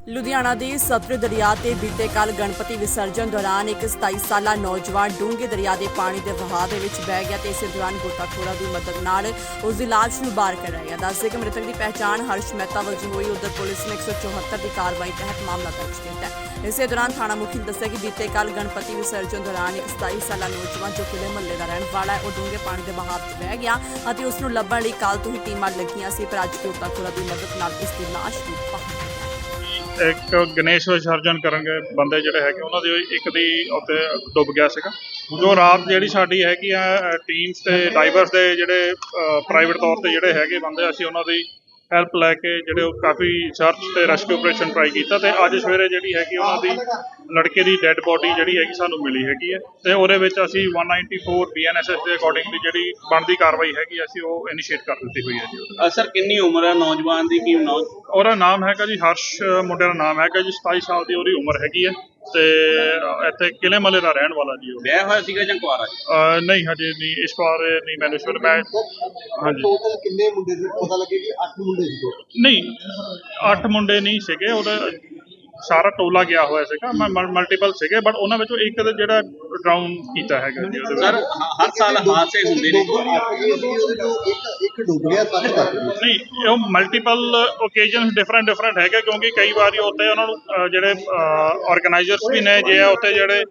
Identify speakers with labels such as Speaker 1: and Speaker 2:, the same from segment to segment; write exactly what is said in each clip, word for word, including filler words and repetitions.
Speaker 1: ਲੁਧਿਆਣਾ ਦੇ ਸਤਲੁਜ ਦਰਿਆ ਤੇ ਬੀਤੇ ਕੱਲ ਗਣਪਤੀ ਵਿਸਰਜਨ ਦੌਰਾਨ ਇੱਕ ਸਤਾਈ ਸਾਲਾ ਨੌਜਵਾਨ ਡੂੰਘੇ ਦਰਿਆ ਦੇ ਪਾਣੀ ਦੇ ਵਹਾਅ ਦੇ ਵਿੱਚ ਬਹਿ ਗਿਆ ਤੇ ਇਸੇ ਦੌਰਾਨ ਗੋਤਾਖੋਰਾਂ ਦੀ ਮਦਦ ਨਾਲ ਉਸ ਦੀ ਲਾਸ਼ ਨੂੰ ਬਾਹਰ ਕਢਾਇਆ। ਦੱਸਦੇ ਕਿ ਮ੍ਰਿਤਕ ਦੀ ਪਹਿਚਾਣ ਹਰਸ਼ ਮਹਿਤਾ ਵਜੋਂ ਹੋਈ। ਉਧਰ ਪੁਲਿਸ ਨੇ ਇੱਕ ਸੌ ਚੌਹੱਤਰ ਦੀ ਕਾਰਵਾਈ ਤਹਿਤ ਮਾਮਲਾ ਦਰਜ ਕੀਤਾ ਹੈ। ਇਸੇ ਦੌਰਾਨ ਥਾਣਾ ਮੁਖੀ ਨੇ ਦੱਸਿਆ ਕਿ ਬੀਤੇ ਕੱਲ ਗਣਪਤੀ ਵਿਸਰਜਨ ਦੌਰਾਨ ਇੱਕ ਸਤਾਈ ਸਾਲਾ ਨੌਜਵਾਨ ਜੋ ਕਿਲੇ ਮਹੱਲੇ ਦਾ ਰਹਿਣ ਵਾਲਾ ਹੈ, ਉਹ ਡੂੰਘੇ ਪਾਣੀ ਦੇ ਵਹਾਅ 'ਚ ਬਹਿ ਗਿਆ ਅਤੇ ਉਸ ਨੂੰ ਲੱਭਣ ਲਈ ਕੱਲ ਤੋਂ ਹੀ ਟੀਮਾਂ ਲੱਗੀਆਂ ਸੀ, ਪਰ ਅੱਜ ਗੋਤਾਖੋਰਾਂ ਦੀ ਮਦਦ ਨਾਲ ਇਸ ਦੀ ਲਾਸ਼ ਨੂੰ ਬਾਹਰ
Speaker 2: ਇੱਕ ਗਣੇਸ਼ ਵਿਸਰਜਨ ਕਰਨਗੇ ਬੰਦੇ ਜਿਹੜੇ ਹੈਗੇ ਉਹਨਾਂ ਦੀ ਇੱਕ ਦੀ ਉੱਤੇ ਡੁੱਬ ਗਿਆ ਸੀਗਾ। ਜੋ ਰਾਤ ਜਿਹੜੀ ਸਾਡੀ ਹੈਗੀ ਆ ਟੀਮਸ ਤੇ ਡਾਈਵਰਸ ਦੇ ਜਿਹੜੇ ਪ੍ਰਾਈਵੇਟ ਤੌਰ ਤੇ ਜਿਹੜੇ ਹੈਗੇ ਬੰਦੇ, ਅਸੀਂ ਉਹਨਾਂ ਦੀ ਹੈਲਪ ਲੈ ਕੇ ਜਿਹੜੇ ਉਹ ਕਾਫੀ ਸਰਚ ਤੇ ਰੈਸਕਿਊ ਆਪਰੇਸ਼ਨ ਟਰਾਈ ਕੀਤਾ ਤੇ ਅੱਜ ਸਵੇਰੇ ਜਿਹੜੀ ਹੈਗੀ ਉਹਨਾਂ ਦੀ ਲੜਕੇ ਦੀ ਡੈੱਡ ਬੋਡੀ ਜਿਹੜੀ ਹੈਗੀ ਸਾਨੂੰ ਮਿਲੀ ਹੈਗੀ ਹੈ ਤੇ ਉਹਦੇ ਵਿੱਚ ਅਸੀਂ ਇੱਕ ਸੌ ਚੌਰਾਨਵੇਂ ਬੀ ਐਨ ਐਸ ਐਸ ਦੇ ਅਕੋਰਡਿੰਗਲੀ ਜਿਹੜੀ ਬਣਦੀ ਕਾਰਵਾਈ ਹੈਗੀ ਅਸੀਂ ਉਹ ਇਨੀਸ਼ੀਏਟ ਕਰ ਦਿੱਤੀ ਹੋਈ ਹੈ ਜੀ।
Speaker 3: ਸਰ ਕਿੰਨੀ ਉਮਰ ਹੈ ਨੌਜਵਾਨ ਦੀ? ਕੀ ਨਾਮ?
Speaker 2: ਉਹਦਾ ਨਾਮ ਹੈਗਾ ਜੀ ਹਰਸ਼, ਮੁੰਡੇ ਦਾ ਨਾਮ ਹੈਗਾ ਜੀ, ਸਤਾਈ ਸਾਲ ਦੀ ਉਹਦੀ ਉਮਰ ਹੈਗੀ ਹੈ ਤੇ ਇੱਥੇ ਕਿਲੇ ਮਹੱਲੇ ਦਾ ਰਹਿਣ ਵਾਲਾ ਜੀ। ਉਹ
Speaker 3: ਵਿਆਹ ਹੋਇਆ ਸੀਗਾ ਜਾਂ ਕੁਆਰਾ?
Speaker 2: ਨਹੀਂ ਹਜੇ ਨਹੀਂ, ਇਸ ਵਾਰ ਨਹੀਂ ਮੈਨੂੰ ਸ਼ੁਰੂ ਮੈਂ ਹਾਂਜੀ
Speaker 4: ਟੋਟਲ ਕਿੰਨੇ ਮੁੰਡੇ ਸੀ? ਪਤਾ ਲੱਗੇ ਕਿ ਅੱਠ ਮੁੰਡੇ ਸੀ।
Speaker 2: ਨਹੀਂ ਅੱਠ ਮੁੰਡੇ ਨਹੀਂ ਸੀਗੇ, ਉਹਦਾ ਸਾਰਾ ਟੋਲਾ ਗਿਆ ਹੋਇਆ ਸੀਗਾ, ਮਲਟੀਪਲ ਸੀਗੇ ਬਟ ਉਹਨਾਂ ਵਿੱਚੋਂ ਇੱਕ ਦਾ ਜਿਹੜਾ ਡਰਾਊਨ ਕੀਤਾ ਹੈਗਾ ਜੀ। ਉਹਦੇ
Speaker 3: ਸਰ ਹਰ ਸਾਲ ਹਾਦਸੇ ਹੁੰਦੇ ਨੇ,
Speaker 4: ਇੱਕ ਡੁੱਬ ਗਿਆ ਸੱਤ ਤੱਕ
Speaker 2: ਨਹੀਂ, ਉਹ ਮਲਟੀਪਲ ਓਕੇਜਨਸ ਡਿਫਰੈਂਟ ਡਿਫਰੈਂਟ ਹੈਗੇ ਕਿਉਂਕਿ ਕਈ ਵਾਰੀ ਉੱਥੇ ਉਹਨਾਂ ਨੂੰ ਜਿਹੜੇ ਆਰਗੇਨਾਈਜ਼ਰਸ ਵੀ ਨੇ ਜੇ ਉੱਥੇ ਜਿਹੜੇ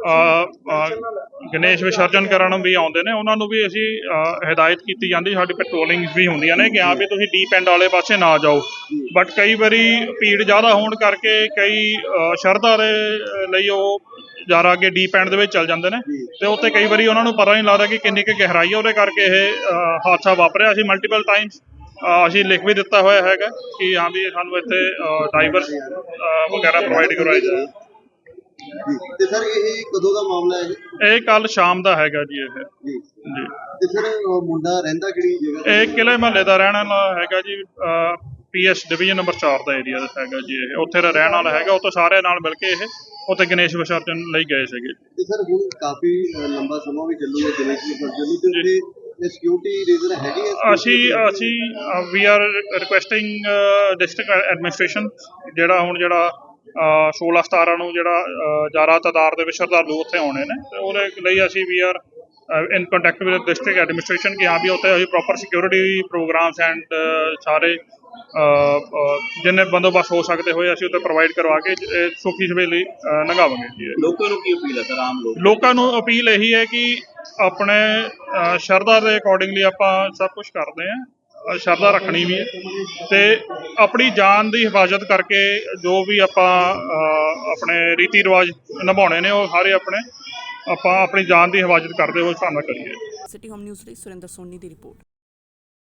Speaker 2: ਗਣੇਸ਼ ਵਿਸਰਜਨ ਕਰਨ ਵੀ ਆਉਂਦੇ ਨੇ ਉਹਨਾਂ ਨੂੰ ਵੀ ਅਸੀਂ ਹਦਾਇਤ ਕੀਤੀ ਜਾਂਦੀ, ਸਾਡੀ ਪੈਟਰੋਲਿੰਗਸ ਵੀ ਹੁੰਦੀਆਂ ਨੇ ਕਿ ਹਾਂ ਵੀ ਤੁਸੀਂ ਡੀਪ ਐਂਡ ਵਾਲੇ ਪਾਸੇ ਨਾ ਜਾਓ, ਬਟ ਕਈ ਵਾਰੀ ਭੀੜ ਜ਼ਿਆਦਾ ਹੋਣ ਕਰਕੇ ਕਈ ਸ਼ਰਧਾ ਦੇ ਲਈ ਉਹ ਜ਼ਿਆਦਾ ਅੱਗੇ ਡੀਪ ਐਂਡ ਦੇ ਵਿੱਚ ਚੱਲ ਜਾਂਦੇ ਨੇ ਤੇ ਉੱਥੇ ਕਈ ਵਾਰੀ ਉਹਨਾਂ ਨੂੰ ਪਤਾ ਨਹੀਂ ਲੱਗਦਾ ਕਿ ਕਿੰਨੀ ਕੁ ਗਹਿਰਾਈ ਹੈ, ਉਹਦੇ ਕਰਕੇ ਇਹ ਹਾਦਸਾ ਵਾਪਰਿਆ। ਅਸੀਂ ਮਲਟੀਪਲ ਟਾਈਮਸ ਅਸੀਂ ਲਿਖ ਵੀ ਦਿੱਤਾ ਹੋਇਆ ਹੈਗਾ ਕਿ ਹਾਂ ਵੀ ਸਾਨੂੰ ਇੱਥੇ ਡਾਈਵਰਸ ਵਗੈਰਾ ਪ੍ਰੋਵਾਈਡ ਕਰਵਾਏ ਜਾਏ।
Speaker 4: ਤੇ ਸਰ ਇਹ ਕਦੋਂ ਦਾ ਮਾਮਲਾ ਹੈ ਜੀ?
Speaker 2: ਇਹ ਕੱਲ ਸ਼ਾਮ ਦਾ ਹੈਗਾ ਜੀ। ਇਹ
Speaker 4: ਜੀ
Speaker 2: ਜੀ
Speaker 4: ਤੇ ਸਰ ਮੁੰਡਾ ਰਹਿੰਦਾ ਕਿਹੜੀ ਜਗ੍ਹਾ?
Speaker 2: ਇਹ ਕਿਲੇ ਮਹੱਲੇ ਦਾ ਰਹਿਣ ਵਾਲਾ ਹੈਗਾ ਜੀ, ਪੀ ਐਸ ਡਿਵੀਜ਼ਨ ਨੰਬਰ ਚਾਰ ਦਾ ਏਰੀਆ ਦਾ ਹੈਗਾ ਜੀ। ਇਹ ਉੱਥੇ ਦਾ ਰਹਿਣ ਵਾਲਾ ਹੈਗਾ, ਉੱਥੇ ਸਾਰਿਆਂ ਨਾਲ ਮਿਲ ਕੇ ਇਹ ਉੱਥੇ ਗਣੇਸ਼ ਵਿਸਰਜਨ ਲਈ ਗਏ ਸੀਗੇ।
Speaker 4: ਤੇ ਸਰ ਹੁਣ ਕਾਫੀ ਲੰਬਾ ਸਮਾਂ ਵੀ ਚੱਲੂਗਾ ਗਣੇਸ਼ ਵਿਸਰਜਨ ਨੂੰ ਤੇ ਇਹ ਸਿਕਿਉਰਿਟੀ ਰੀਜ਼ਨ ਹੈਗੀ ਹੈ?
Speaker 2: ਅਸੀਂ ਅਸੀਂ we are requesting district administration ਜਿਹੜਾ ਹੁਣ ਜਿਹੜਾ ਸੋਲਾਂ ਸਤਾਰਾਂ ਨੂੰ ਜਿਹੜਾ ਜ਼ਿਆਦਾ ਤਾਦਾਦ ਦੇ ਵਿੱਚ ਸ਼ਰਧਾਲੂ ਉੱਥੇ ਆਉਣੇ ਨੇ ਤੇ ਉਹਦੇ ਲਈ ਅਸੀਂ we are in contact with district administration ਕਿ ਹਾਂ ਵੀ ਉੱਥੇ ਅਸੀਂ ਪ੍ਰੋਪਰ ਸਿਕਿਉਰਿਟੀ ਪ੍ਰੋਗਰਾਮਸ ਐਂਡ ਸਾਰੇ ਜਿੰਨੇ ਬੰਦੋਬਸਤ ਹੋ ਸਕਦੇ ਹੋਏ ਅਸੀਂ ਉੱਥੇ ਪ੍ਰੋਵਾਈਡ ਕਰਵਾ ਕੇ ਸੁਖੀ ਸਵੇਲੀ ਲੰਘਾਵਾਂਗੇ ਜੀ।
Speaker 3: ਲੋਕਾਂ ਨੂੰ ਕੀ ਅਪੀਲ ਹੈ ਸਰ? ਆਮ ਲੋਕ
Speaker 2: ਲੋਕਾਂ ਨੂੰ ਅਪੀਲ ਇਹੀ ਹੈ ਕਿ ਆਪਣੇ ਸ਼ਰਧਾ ਦੇ ਅਕੋਰਡਿੰਗਲੀ ਆਪਾਂ ਸਭ ਕੁਝ ਕਰਦੇ ਹਾਂ, ਸ਼ਰਧਾ ਰੱਖਣੀ ਵੀ ਹੈ ਤੇ ਆਪਣੀ ਜਾਨ ਦੀ ਹਿਫਾਜ਼ਤ ਕਰਕੇ ਜੋ ਵੀ ਆਪਾਂ ਆਪਣੇ ਰੀਤੀ ਰਿਵਾਜ ਨਿਭਾਉਣੇ ਨੇ ਉਹ ਸਾਰੇ ਆਪਣੇ ਆਪਾਂ ਆਪਣੀ ਜਾਨ ਦੀ ਹਿਫਾਜ਼ਤ ਕਰਦੇ ਹੋਏ ਹਿਸਾਬ ਨਾਲ ਕਰੀਏ।
Speaker 1: ਸਿਟੀ ਹੋਮ ਨਿਊਜ਼ ਲਈ ਸੁਰਿੰਦਰ ਸੋਨੀ ਦੀ ਰਿਪੋਰਟ।